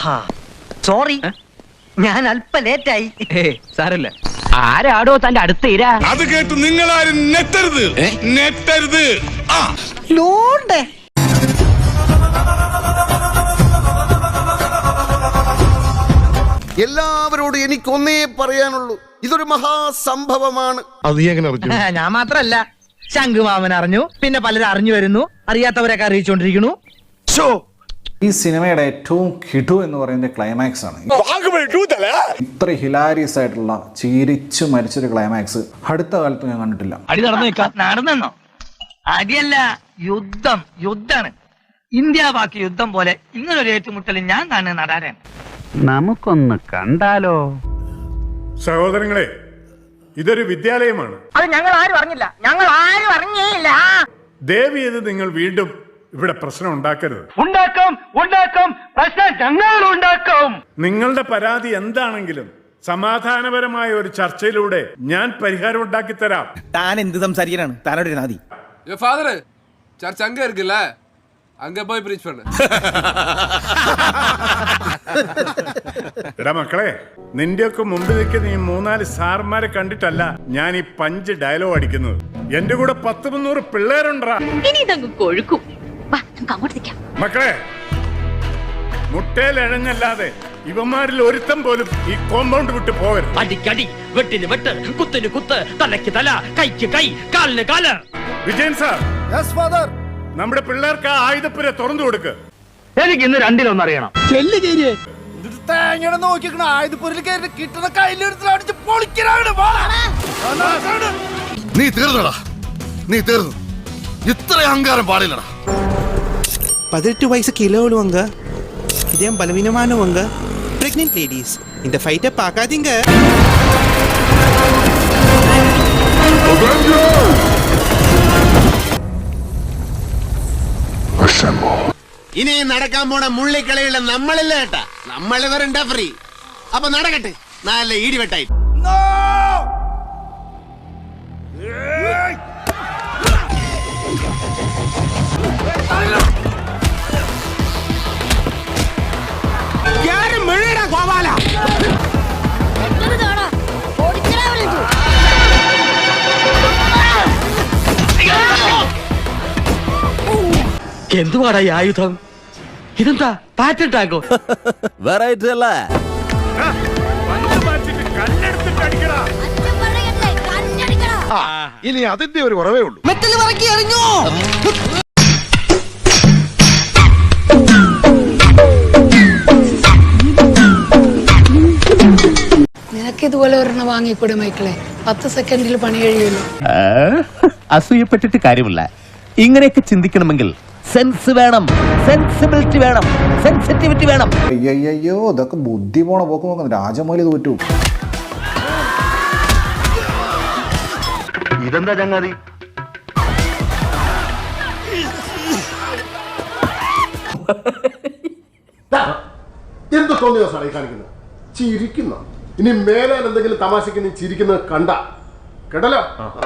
Sorry, ഞാൻ അല്പ ലേറ്റായി. സാരല്ല. ആരാടോ തന്റെ അടുത്ത് ഇരാ? അത് കേട്ട് നിങ്ങളാരും നെറ്റരുത്, നെറ്റരുത്. ലോണ്ടേ എല്ലാവരോടും എനിക്കൊന്നേ പറയാനുള്ളൂ, ഇതൊരു മഹാസംഭവമാണ്. അത് എങ്ങനെ അറിഞ്ഞു? ഞാൻ മാത്രല്ല, ശംഖുമാമൻ അറിഞ്ഞു, പിന്നെ പലരും അറിഞ്ഞു വരുന്നു, അറിയാത്തവരൊക്കെ അറിയിച്ചുകൊണ്ടിരിക്കുന്നു. ഈ സിനിമയുടെ ഏറ്റവും കിടു എന്ന് പറയുന്നത് ക്ലൈമാക്സ് ആണ്. ഇത്ര ഹിലാരിയസ് ആയിട്ടുള്ള ചിരിച്ചു മരിച്ചൊരു ക്ലൈമാക്സ് അടുത്ത കാലത്ത് ഞാൻ കണ്ടിട്ടില്ല. അടി നടന്നോ? അടിയല്ല, യുദ്ധാണ്. ഇന്ത്യ പാക് യുദ്ധം പോലെ ഇങ്ങനൊരു ഏറ്റുമുട്ടൽ ഞാൻ കാണുന്ന നടാരാണ്. നമുക്കൊന്ന് കണ്ടാലോ? സഹോദരങ്ങളെ, ഇതൊരു വിദ്യാലയമാണ്. അത് ഞങ്ങൾ ആരും അറിഞ്ഞില്ല. ദേവി ഇത് നിങ്ങൾ വീണ്ടും ഇവിടെ പ്രശ്നം ഉണ്ടാക്കരുത്. ഉണ്ടാക്കും പ്രശ്നം ഞങ്ങൾ ഉണ്ടാക്കും. നിങ്ങളുടെ പരാതി എന്താണെങ്കിലും സമാധാനപരമായ ഒരു ചർച്ചയിലൂടെ ഞാൻ പരിഹാരം ഉണ്ടാക്കി തരാം. താൻ എന്ത് സംസാരിക്കാനാണ്? താനോട് നാദി ஃபாதர் சர்ச் அங்க இருக்குல்ல, அங்க போய் ப்ரீச் பண்ணு. എടാ മക്കളെ, നിന്റെയൊക്കെ മുമ്പിൽ നിൽക്കുന്ന ഈ 3-4 സാർമാരെ കണ്ടിട്ടല്ല ഞാൻ ഈ പഞ്ച് ഡയലോഗ് അടിക്കുന്നത്. എന്റെ കൂടെ 100-300 പിള്ളേരുണ്ടാ. മക്കളെ, മുട്ടയിലഴഞ്ഞല്ലാതെ ഇവന്മാരിൽ ഒരുത്തം പോലും ഈ കോമ്പൗണ്ട് വിട്ട് പോകരുത്. അടിക്കടി, വെട്ടിന് വെട്ട്, കുത്തിന് കുത്ത്, തലയ്ക്ക് തല, കൈക്ക് കൈ, കാലിന് കാല്. വിജയൻ സാർ, നമ്മുടെ പിള്ളേർക്ക് ആ ആയുധപ്പുര തുറന്നു കൊടുക്ക്. എനിക്ക് ഇന്ന് രണ്ടിലൊന്നറിയണം. നീ തീർന്നടാ, നീ തീർന്നു. ഇത്ര അഹങ്കാരം പാടില്ലടാ. 18 வயசு கிலோவாங்க, இதயம் பலவீனமானவங்க, பிரெக்னென்ட் லேடிஸ், இந்த ஃபைட்டை பார்க்காதீங்க. ഇനി നടക്കാൻ പോണ മുള്ളിക്കളിയുള്ള നമ്മളില്ല കേട്ടാ, നമ്മള് വരണ്ട ഫ്രീ. അപ്പൊ നടക്കട്ടെ, നല്ല ഇടിവെട്ടായി. എന്തുവാടാ ഈ ആയുധം? ഇതെന്താ പാറ്റന്റ് ആകോ? വെറൈറ്റി അല്ല. ഇനി അതിന്റെ ഒരു കുറവേ ഉള്ളൂ. നിനക്ക് ഇതുപോലെ ഒരെണ്ണം വാങ്ങിക്കൂടെ മൈക്കിളെ? 10 സെക്കൻഡിൽ പണി കഴിയുമല്ലോ. അസൂയപ്പെട്ടിട്ട് കാര്യമില്ല. ഇങ്ങനെയൊക്കെ ചിന്തിക്കണമെങ്കിൽ സെൻസ് വേണം, സെൻസിബിലിറ്റി വേണം, സെൻസിറ്റിവിറ്റി വേണം. അയ്യോ, ഇതൊക്കെ ബുദ്ധി പോണ പോക്ക് നോക്കുന്നു. രാജമൗലി തോറ്റു. ഇതെന്താ ചങ്ങാതി? എന്ത് തോന്നിയോ സാറേ കാണിക്കുന്നത്? ചിരിക്കുന്ന. ഇനി മേലാൽ എന്തെങ്കിലും തമാശക്ക് നീ ചിരിക്കുന്നത് കണ്ട കേട്ടല്ലോ.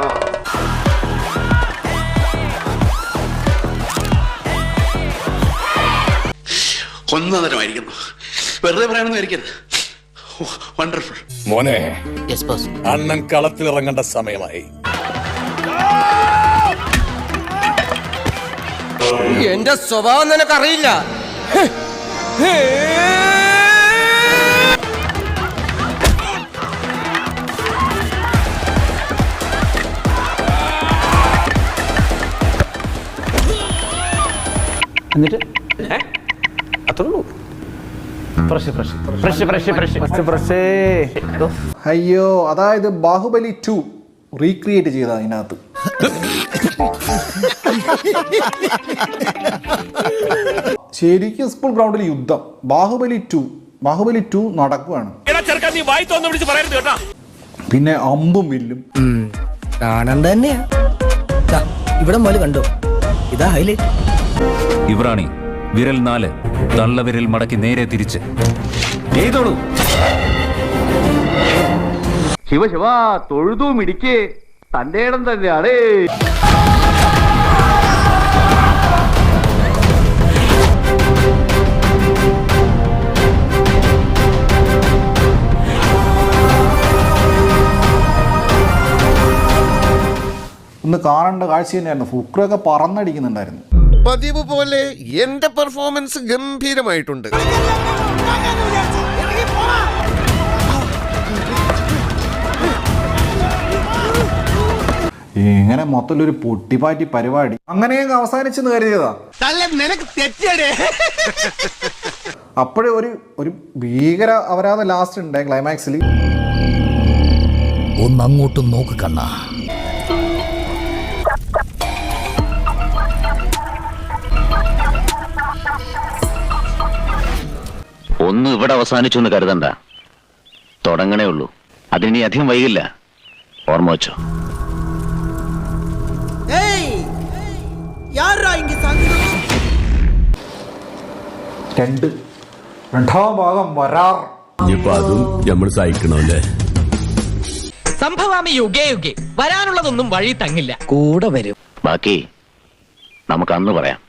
ഒന്നതരമായിരിക്കുന്നു. വെറുതെ പറയാനൊന്നും ആയിരിക്കരുത്. വണ്ടർഫുൾ. മോനെ, അണ്ണൻ കളത്തിലിറങ്ങേണ്ട സമയമായി. എന്റെ സ്വഭാവം നിനക്കറിയില്ല. എന്നിട്ട് അയ്യോ, അതായത് ബാഹുബലി 2 റീക്രിയേറ്റ് ചെയ്ത അതിനകത്ത്. ശരിക്കും സ്കൂൾ ഗ്രൗണ്ടിൽ യുദ്ധം. ബാഹുബലി 2 നടക്കുകയാണ്. പിന്നെ അമ്പും വില്ലും കാണാൻ തന്നെയാ. ഇവിടെ മോല് കണ്ടോ? ഇതാ ഹൈലൈറ്റ്. ഇവറാണി വിരൽ 4 തള്ളവിരൽ മടക്കി നേരെ തിരിച്ച് ചെയ്തോളൂ. ശിവ തൊഴുതു മിടിക്ക്, തന്റെ ഇടം തന്നെയാണ്. ഒന്ന് കാണേണ്ട കാഴ്ച തന്നെയായിരുന്നു. ഫുക്രൊക്കെ പറന്നടിക്കുന്നുണ്ടായിരുന്നു. പതിവ് പോലെ എന്റെ പെർഫോമൻസ് ഗംഭീരമായിട്ടുണ്ട്. ഇങ്ങനെ മൊത്തത്തിലൊരു പൊട്ടിപ്പാറ്റി പരിപാടി അങ്ങനെയൊക്കെ അവസാനിച്ചെന്ന് കരുതിയതാ. നിനക്ക് തെറ്റടേ. അപ്പോഴേ ഒരു ഭീകര അപരാധം ലാസ്റ്റ് ഉണ്ട് ക്ലൈമാക്സിൽ. ഒന്നങ്ങോട്ടും നോക്ക് കണ്ണ. ഒന്നും ഇവിടെ അവസാനിച്ചു എന്ന് കരുതണ്ട, തുടങ്ങണേ ഉള്ളൂ. അതിനി അധികം വൈകില്ല, ഓർമ്മ വെച്ചോ. രണ്ടാം ഭാഗം വരാർ. അതും നമ്മൾ സഹിക്കണല്ലേ. സംഭവാമി യുഗേ യുഗേ, വരാനുള്ളതൊന്നും വഴി തങ്ങില്ല. കൂടെ വരും. ബാക്കി നമുക്ക് അന്ന് പറയാം.